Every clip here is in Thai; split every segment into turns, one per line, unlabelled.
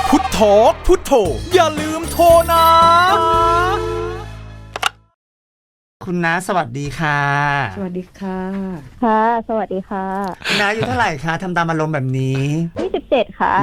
พุทโธพุทโธอย่าลืมโทรนะ
คุณน้าสวัสดีค่ะ
สวัสดีค่ะ
ค่ะสวัสดีค่ะ
คุณน้าอยู่เท่าไหร่คะทำตามอารมณ์แบบนี้
27ค่ะ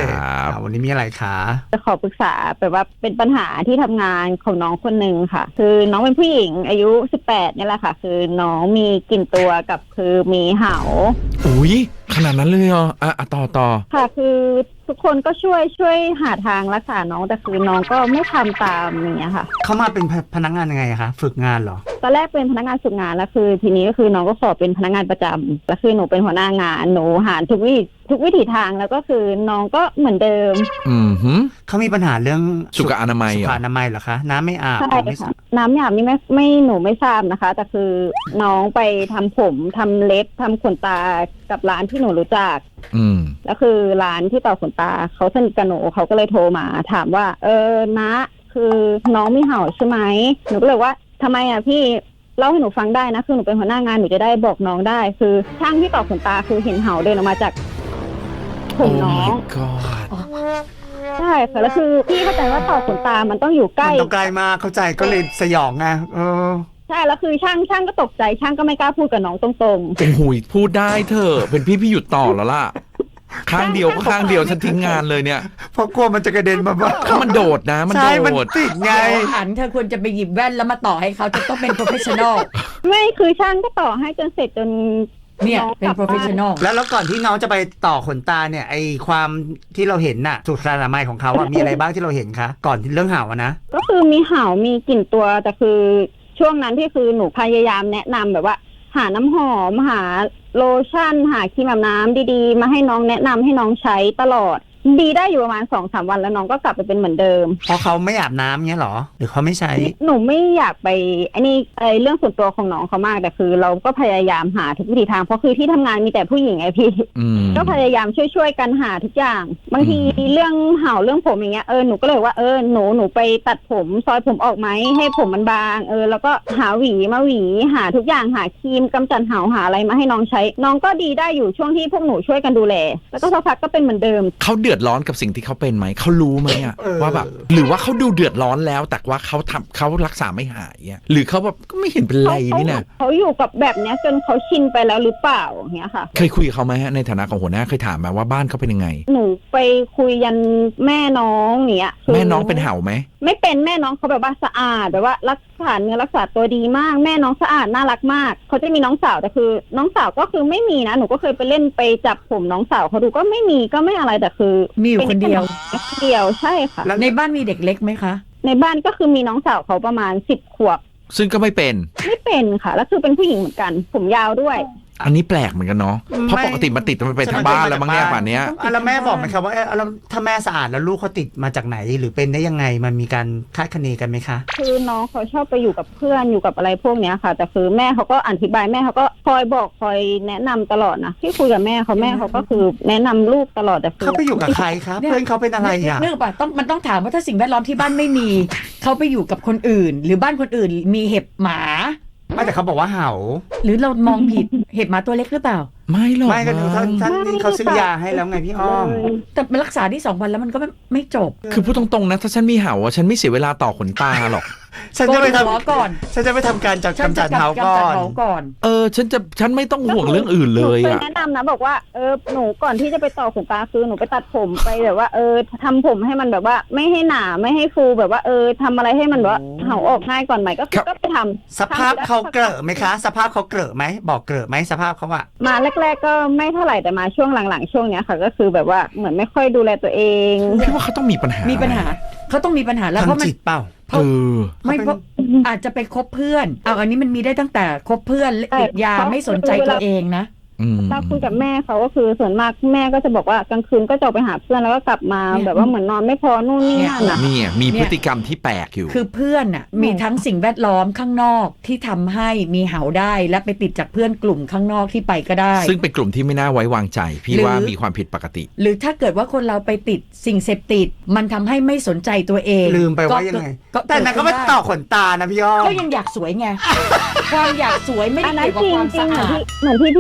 27วันนี้มีอะไรคะ
จะขอปรึกษาแบบว่าเป็นปัญหาที่ทำงานของน้องคนหนึ่งค่ะคือน้องเป็นผู้หญิงอายุ18นี่แหละค่ะคือน้องมีกลิ่นตัวกับคือมีเห่า
อุ๊ยขนาดนั้นเลยเหรอต่อ
ค่ะคือทุกคนก็ช่วยหาทางรักษาน้องแต่คือน้องก็ไม่ทำตามอย่างเงี้ยค่ะ
เขามาเป็นพนักงานยังไงคะฝึกงานเหรอ
ตอนแรกเป็นพนักงานฝึกงานแล้วคือทีนี้ก็คือน้องก็ขอเป็นพนักงานประจำแล้วคือหนูเป็นหัวหน้างานหนูหาทุกวิถีทางแล้วก็คือน้องก็เหมือนเดิม
เขามีปัญหาเรื่อง
สุขอนามัย
เหรอคะน้ำไม่อาบ
ใช่ค่ะน้ำไม่อาบนี่ไม่หนูไม่ทราบนะคะแต่คือน้องไปทำผมทำเล็บทำขนตากับร้านที่หนูรู้จักแล้วคือร้านที่ต่อขนตาเขาสนิทกับหนูเขาก็เลยโทรมาถามว่านะคือน้องมีเห่าใช่ไหมหนูก็เลยว่าทำไมอ่ะพี่เล่าให้หนูฟังได้นะคือหนูเป็นหัวหน้างานหนูจะได้บอกน้องได้คือช่างที่ต่อขนตาคือเห็นเห่าเดินออกมาจากผมน้องใช่ค่ะแล้วคือพี่เข้าใจว่าต่อขนตามันต้องอยู่ใกล้
มันต้องใกล้มากเข้าใจก็เลยสยองไง
ใช่แล้วคือช่างก็ตกใจช่างก็ไม่กล้าพูดกับน้องตรง
ๆโอ้โหพูดได้เถอะเป็นพี่หยุดต่อแล้วล่ะข้างเดียวก็ข้างเดียวฉันทิ้งงานเลยเนี่ย
เพราะกลัวมันจะกระเด็นมาบ้าง
ถ้ามันโดดนะมันโดด
มันติดไง
หันเธอควรจะไปหยิบแว่นแล้วมาต่อให้เขาจะต้องเป็น professional
ไม่คือช่างก็ต่อให้จนเสร็จจน
เนี่ยเป็น professional
แล้วก่อนที่น้องจะไปต่อขนตาเนี่ยไอความที่เราเห็นน่ะสุขอนามัยของเขาอะมีอะไรบ้างที่เราเห็นคะก่อนที่เรื่องเห่านะ
ก็คือมีเห่ามีกลิ่นตัวแต่คือช่วงนั้นที่คือหนูพยายามแนะนำแบบว่าหาน้ำหอมหาโลชั่นหาครีมอาบน้ำดีๆมาให้น้องแนะนำให้น้องใช้ตลอดดีได้อยู่ประมาณ 2-3 วันแล้วน้องก็กลับไปเป็นเหมือนเดิม
เพราะเขาไม่อาบน้ำเงี้ยหรอหรือเขาไม่ใช้
หนูไม่อยากไปเรื่องส่วนตัวของน้องเขามากแต่คือเราก็พยายามหาทุกวิถีทางเพราะคือที่ทำงานมีแต่ผู้หญิงไงพี่ก็พยายามช่วยกันหาทุกอย่างบางทีเรื่องเห่าเรื่องผมอย่างเงี้ยหนูก็เลยว่าหนูไปตัดผมซอยผมออกไหมให้ผมมันบางแล้วก็หาหวีมาหวีหาทุกอย่างหาครีมกำจัดเห่าหาอะไรมาให้น้องใช้น้องก็ดีได้อยู่ช่วงที่พวกหนูช่วยกันดูแลแล้วก็สักพักก็เป็นเหมือนเดิม
เขาเดือดร้อนกับสิ่งที่เขาเป็นไหมเขารู้ไหมอะว่าแบบหรือว่าเขาดูเดือดร้อนแล้วแต่ว่าเขารักษาไม่หายอะหรือเขาแบบก็ไม่เห็นเป็นไรนี่นะ
เขาอยู่กับแบบเนี้ยจนเขาชินไปแล้วหรือเปล่าอย่างเงี้ยค่ะ
เคยคุยกับเขาไหมฮะในฐานะของหัวหน้าเคยถามไหมว่าบ้านเขาเป็นยังไง
หนูไปคุยยันแม่น้องเนี้ย
แม่น้องเป็นเห่าไหม
ไม่เป็นแม่น้องเขาแบบว่าสะอาดแบบว่ารักษาเนื้อรักษาตัวดีมากแม่น้องสะอาดน่ารักมากเขาจะมีน้องสาวแต่คือน้องสาวก็คือไม่มีนะหนูก็เคยไปเล่นไปจับผมน้องสาวเขาดูก็ไม่มีก็ไม่อะไรแต่คือ
มีอยู่คนเดียว
ใช่ค่ะ
ในบ้านมีเด็กเล็กไหมคะ
ในบ้านก็คือมีน้องสาวเขาประมาณ10 ขวบ
ซึ่งก็ไม่เป็น
ค่ะแล้วคือเป็นผู้หญิงเหมือนกันผมยาวด้วย
อันนี้แปลกเหมือนกันเนาะเพราะปกติมันติดมันเป็นทางบ้านแล้วบางเนี่ยป่านนี้
แล้วแม่บอกไหมครับว่าแล้วถ้าแม่สะอาดแล้วลูกเขาติดมาจากไหนหรือเป็นได้ยังไงมันมีการคาดคะเนกันไหมคะ
คือน้องเขาชอบไปอยู่กับเพื่อนอยู่กับอะไรพวกเนี้ยค่ะแต่คือแม่เขาก็อธิบายแม่เขาก็คอยบอกคอยแนะนำตลอดนะที่คุยกับแม่เขาก็คือแนะนำลูกตลอดแต่
เขาไปอยู่กับใครครับเพื่อนเขาเป็นอะไรอ่ะ
เนื่องจากมันต้องถามว่าถ้าสิ่งแวดล้อมที่บ้านไม่มีเขาไปอยู่กับคนอื่นหรือบ้านคนอื่นมีเห็บหมา
ไม่แต่เขาบอกว่าเห่า
หรือเรามองผิดเห็บหมาตัวเล็กหรือเปล่า
ไม่หรอก
ไม่ก็ท่านนี่เขาซื้อยาให้แล้วไงพี่อ้อม
แต่รักษาที่2 วันแล้วมันก็ไม่จบ
คือพูดตรงๆนะถ้าฉันมีเห่าฉันไม่เสียเวลาต่อขนตาหรอก
ฉันจะไปท
ำก่อน
ฉันจะไปทำการจัดกำจัดเห่าก่อน
ฉันไม่ต้องห่วงเรื่องอื่นเลย
อ่ะแนะนำนะบอกว่าหนูก่อนที่จะไปต่อขนตาคือหนูไปตัดผมไปแบบว่าทำผมให้มันแบบว่าไม่ให้หนาไม่ให้ฟูแบบว่าทำอะไรให้มันแบบว่าเห่าออกง่ายก่อนใหม่ก็ไปทำ
สภาพเขาเกลอะไหมคะสภาพเขาเกลอะไหมบอกเกลอะไหมสภาพเขาอะ
มาแรกๆก็ไม่เท่าไหร่แต่มาช่วงหลังๆช่วงเนี้ยค่ะก็คือแบบว่าเหมือนไม่ค่อยดูแลตัวเอง
พี่ว่าเขาต้องมีปัญหา
เขาต้องมีปัญหาแล้วเพราะมัน
จิตเปล่า
ไม่เพราะอาจจะไปคบเพื่อนอันนี้มันมีได้ตั้งแต่คบเพื่อนติดยาไม่สนใจตัวเองนะ
ถ้าคุยกับแม่เขาก็คือส่วนมากแม่ก็จะบอกว่ากลางคืนก็จะไปหาเพื่อนแล้วก็กลับมาแบบว่าเหมือนนอนไม่พอนู่นนี่นั่น
นี่มีพฤติกรรมที่แปลกอยู่
คือเพื่อนน่ะมีทั้งสิ่งแวดล้อมข้างนอกที่ทำให้มีเห่าได้และไปติดจากเพื่อนกลุ่มข้างนอกที่ไปก็ได้
ซึ่งเป็นกลุ่มที่ไม่น่าไว้วางใจพี่ว่ามีความผิดปกติ
หรือถ้าเกิดว่าคนเราไปติดสิ่งเสพติดมันทำให้ไม่สนใจตัวเอง
ลืมไปว่ายังไงแต่นั้นก็ไม่ต่อขนตานะพี่อ้อม
ก็ยังอยากสวยไงความอยากสวยไม่ได้เกี่ยวกับความสะอาด
เหมือนที่พี่อ้อมพูด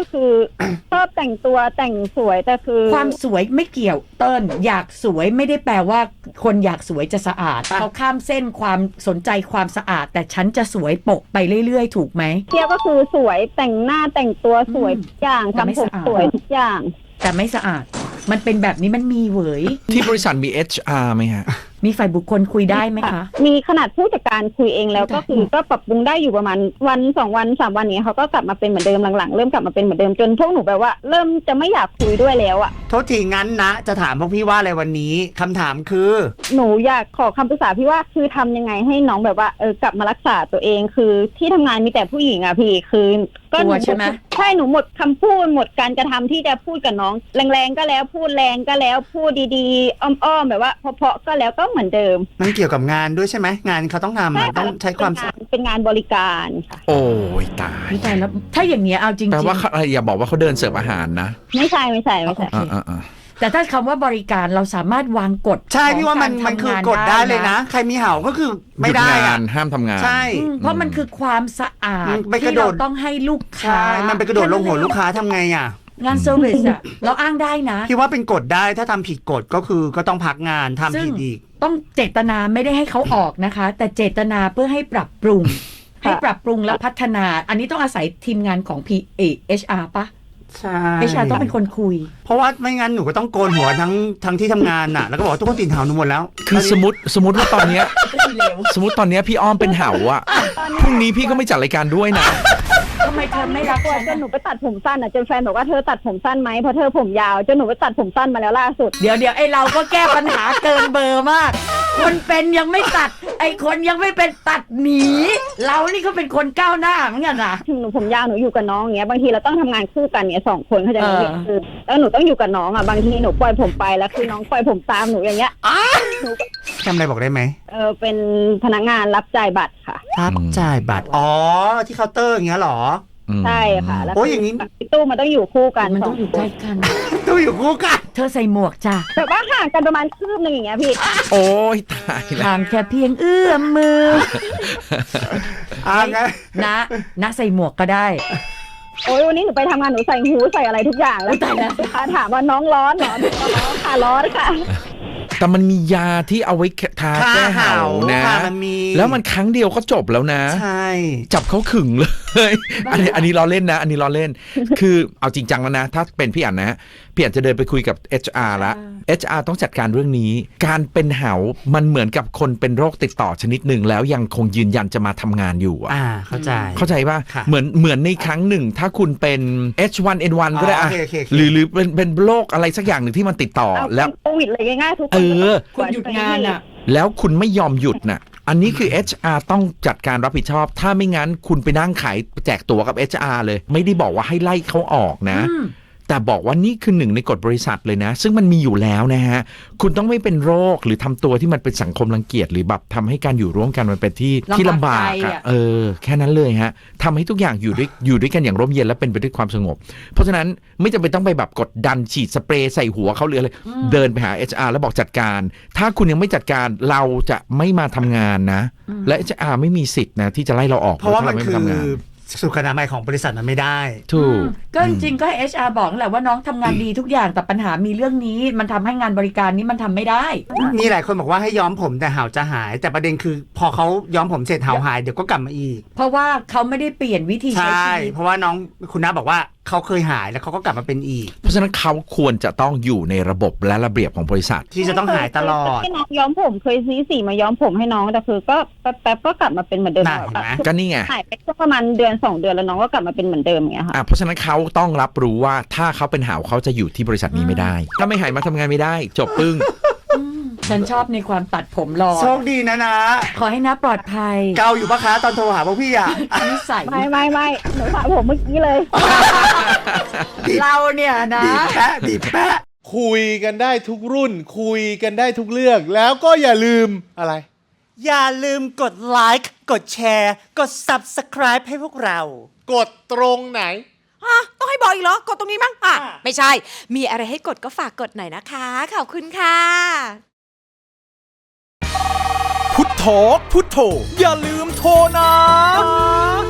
คือ ชอบแต่งตัวแต่งสวยแต่คือ
ความสวยไม่เกี่ยวเติ้ลอยากสวยไม่ได้แปลว่าคนอยากสวยจะสะอาดเขาข้ามเส้นความสนใจความสะอาดแต่ฉันจะสวยปกไปเรื่อยๆถูกไหม
เทียบก็คือสวยแต่งหน้าแต่งตัวสวยทุกอย่าง
แต่ไม่
ทำผม
สะอาด
สวยทุกอย่าง
แต่ไม่สะอาดมันเป็นแบบนี้มันมีเหวย
ที่บริษัทมี HR ไหมฮะ
มีฝ่ายบุคคลคุยได้ไหมคะ
มีขนาดผู้จัดการคุยเองแล้ว
แต่
ก็คือก็ปรับปรุงได้อยู่ประมาณวัน2 วัน3 วันนี้เขาก็กลับมาเป็นเหมือนเดิมหลังๆเริ่มกลับมาเป็นเหมือนเดิมจนพวกหนูแบบว่าเริ่มจะไม่อยากคุยด้วยแล้วอ่ะ
โทษทีงั้นนะจะถามพวกพี่ว่าอะไรวันนี้คำถามคือ
หนูอยากขอคำปรึกษาพี่ว่าคือทำยังไงให้น้องแบบว่ากลับมารักษาตัวเองคือที่ทำงานมีแต่ผู้หญิงอ่ะพี่คือก็
กลัวใช่ไหม
ใช่หนูหมดคำพูดหมดการกระทำที่จะพูดกับน้องแรงๆก็แล้วพูดแรงก็แล้วพูดดีๆอ้อมๆแบบว่าเพราะๆก็แล้วก็เหมือนเดิม
มันเกี่ยวกับงานด้วยใช่ไหมงานเขาต้องทำอะต้องใช้ความ
เป็นงานบริการค่ะ
โอ้ยตาย
ไม่ตายแล้วถ้าอย่างเนี้ยเอาจริง
แปลว่าเขาอย่าบอกว่าเขาเดินเสิร์ฟอาหารนะ
ไม่ใช่
อ่า
ๆแต่ถ้าคำว่าบริการเราสามารถวางกฎ
ใช่พี่ว่ามัน
ของ
มันคือกด
ทำง
ได้เลยนะ ใครมีเห่าก็คือไม่ได้
หยุงา
อะ
นห้ามทำงาน
ใช่
เพราะมันคือความสะอาด
มันไปกระ
ที่
โด
เรา
ด
ต้องให้ลูกค้า
ใช่มันไปกระโดดลงหัวลูกค้าทำไงอ่ะ
งานเซอร์วิสอะเราอ้างได้นะ
พี่ว่าเป็นกฎได้ถ้าทำผิดกฎก็คือก็ต้องพักงานทำ
ซึ่ง
ผิดอีก
ต้องเจตนาไม่ได้ให้เขาออกนะคะ แต่เจตนาเพื่อให้ปรับปรุง ให้ปรับปรุงและพัฒนา อันนี้ต้องอาศัยทีมงานของ HR ปะ
ใช่
HR ต้องเป็นคนคุย
เพราะว่าไม่งั้นหนูก็ต้องโกนหัวทั้งที่ทำงานน่ะแล้วก็บอกว่าทุกคนติดเห่าหนูหมดแล้ว
คือสมมติว่าตอนเนี้ยสมมติตอนเนี้ยพี่อ้อมเป็นเห่าอะพรุ่งนี้พี่ก็ไม่จัดรายการด้วยนะ
ทำไมเธอไม่รัก
กลัว
ฉัน
จนหนูไปตัดผมสั้นอ่ะจนแฟนบอกว่าเธอตัดผมสั้นไหมเพราะเธอผมยาวจนหนูไปตัดผมสั้นมาแล้วล่าสุด
เดี๋ยวไอเราก็แก้ปัญหาเกินเบอร์มาก คนเป็นยังไม่ตัด ไอคนยังไม่เป็นตัดหนี เรานี่ก็เป็นคนก้าวหน้าเหมือนกันนะ
ถึงหนูผมยาวหนูอยู่กับน้องอย่างเงี้ยบางทีเราต้องทำงานคู่กันเนี่ย2 คนเขาใจะ
เออ
คือแล้วหนูต้องอยู่กับน้องอ่ะบางทีหนูปล่อยผมไปแล้วคือน้องปล่อยผมตามหนูอย่างเงี้ย
ทำอะไรบอกได้ไหม
เป็นพนักงานรับจ่ายบัตรค่ะ
รับจ่ายบัตรอ๋อที่เคาน์เตอร์อย่างเงี้ยเหรอ
ใช่ค่ะแล้ว
โอ้ยอย่างนี้
ตู้มันต้องอยู่คู่กัน
มันต้องอยู่ใกล้กัน
ตู้อยู่คู่กัน
เธอใส่หมวกจ้ะ
แบบว่าห่างกันประมาณคืบนึงอย่างเงี้ยพี่
โอ้ยตายแล้ว
ห่างแค่เพียงเอื้อมมือ
งั้น
นะใส่หมวกก็ได้
โอ้ยวันนี้หนูไปทำงานหนูใส่หูใส่อะไรทุกอย่างแล้ว
อุ๊ยตายแล้ว
ลูกค้าถามว่าน้องร้อนเหรอหนูก็ร้อนค่ะร้อนค่ะ
แต่มันมียาที่เอาไว้ทาแก้เห่านะ
ค่ะมันมี
แล้วมันครั้งเดียวก็จบแล้วนะ
ใช่
จับเขาขึงเลย อันนี้ล้อเล่นนะ อันนี้ล้อเล่น คือเอาจริงจังแล้วนะ ถ้าเป็นพี่อั๋นนะพี่อั๋นจะเดินไปคุยกับ HR ละ HR ต้องจัดการเรื่องนี้ การเป็นเหามันเหมือนกับคนเป็นโรคติดต่อชนิดหนึ่งแล้วยังคงยืนยันจะมาทำงานอยู่อะ
เข้าใจ
เข้าใจป่ะ
ค่ะ
เหมือนในครั้งหนึ่ง ถ้าคุณเป็น H1N1 ก็ได้อะ
โอเค
หรือเป็นโรคอะไรสักอย่างหนึ่งที่มันติดต่อ
เอา
แล้ว
โควิดเลยง่ายๆทุกคน
เออ
คุณหยุดงานอ่ะ
แล้วคุณไม่ยอมหยุดน่ะ อันนี้คือ HR ต้องจัดการรับผิดชอบ ถ้าไม่งั้นคุณไปนั่งขายแจกตั๋วกับ HR เลย ไม่ได้บอกว่าให้ไล่เขาออกนะ แต่บอกว่านี่คือหนึ่งในกฎบริษัทเลยนะ ซึ่งมันมีอยู่แล้วนะฮะ คุณต้องไม่เป็นโรคหรือทำตัวที่มันเป็นสังคมรังเกียจหรือแบบทำให้การอยู่ร่วมกันมันเป็นที่ลำบาก
ลำบากใจ
อะ
อะ
แค่นั้นเลยฮะทำให้ทุกอย่างอยู่ด้วยกันอย่างร่มเย็นและเป็นไปด้วยความสงบ เพราะฉะนั้นไม่จำเป็นต้องไปแบบกดดันฉีดสเปรย์ใส่หัวเขาหรืออะไรเดินไปหา HR แล้วบอกจัดการ ถ้าคุณยังไม่จัดการเราจะไม่มาทำงานนะ และ HR ไม่มีสิทธิ์นะที่จะไล่เราออก
เพราะว่ามัน
ถ้
คือ
ไทำงาน
สุขอนามัยของบริษัทมันไม่ได้
ถูก
ก็จริงๆก็ให้ HR บอกนั่นแหละว่าน้องทำงานดีทุกอย่างแต่ปัญหามีเรื่องนี้มันทำให้งานบริการนี้มันทำไม่ได้
มีหลายคนบอกว่าให้ย้อมผมแต่เห่าจะหาย แต่ประเด็นคือพอเขาย้อมผมเสร็จเห่าหายเดี๋ยวก็กลับมาอีก
เพราะว่าเขาไม่ได้เปลี่ยนวิธี
ใช
ใช้
่
ชีวิต
เพราะว่าน้องคุณน้าบอกว่าเขาเคยหายแล้วเขาก็กลับมาเป็นอีก
เพราะฉะนั้นเขาควรจะต้องอยู่ในระบบและระเบียบของบริษัท
ที่จะต้องหายตลอด
ให้น้องย้อมผมเคยซื้อสีมาย้อมผมให้น้องแต่คือก็แป๊บๆก็กลับมาเป็นเหมือนเดิม
น่ะเห็นไหม
ก็นี่ไง
หายไปก็ประมาณเดือน2 เดือนแล้วน้องก็กลับมาเป็นเหมือนเดิมอย่างเงี้ยค่ะ
เพราะฉะนั้นเขาต้องรับรู้ว่าถ้าเขาเป็นหาวเขาจะอยู่ที่บริษัทนี้ไม่ได้ ถ้าไม่หายมาทำงานไม่ได้ จบปึ้ง
ฉันชอบในความตัดผมรอ
โชคดีนะ
ขอให้น้าปลอดภัย
เกาอยู่ปะคะตอนโทรหาพวกพี่อ่ะ
นิสัย
ไม่หนูสระผมเมื่อกี้เลย
เราเนี่ยนะ
บีบแปะ
คุยกันได้ทุกรุ่น คุยกันได้ทุกเรื่อง แล้วก็อย่าลืมอะไร
อย่าลืมกดไลค์กดแชร์กด Subscribe ให้พวกเรา
กดตรงไหน
ต้องให้บอกอีกเหรอ กดตรงนี้มั้งไม่ใช่ มีอะไรให้กดก็ฝากกดหน่อยนะคะ ขอบคุณค่ะ
พุทโธพุทโธอย่าลืมโทรนะ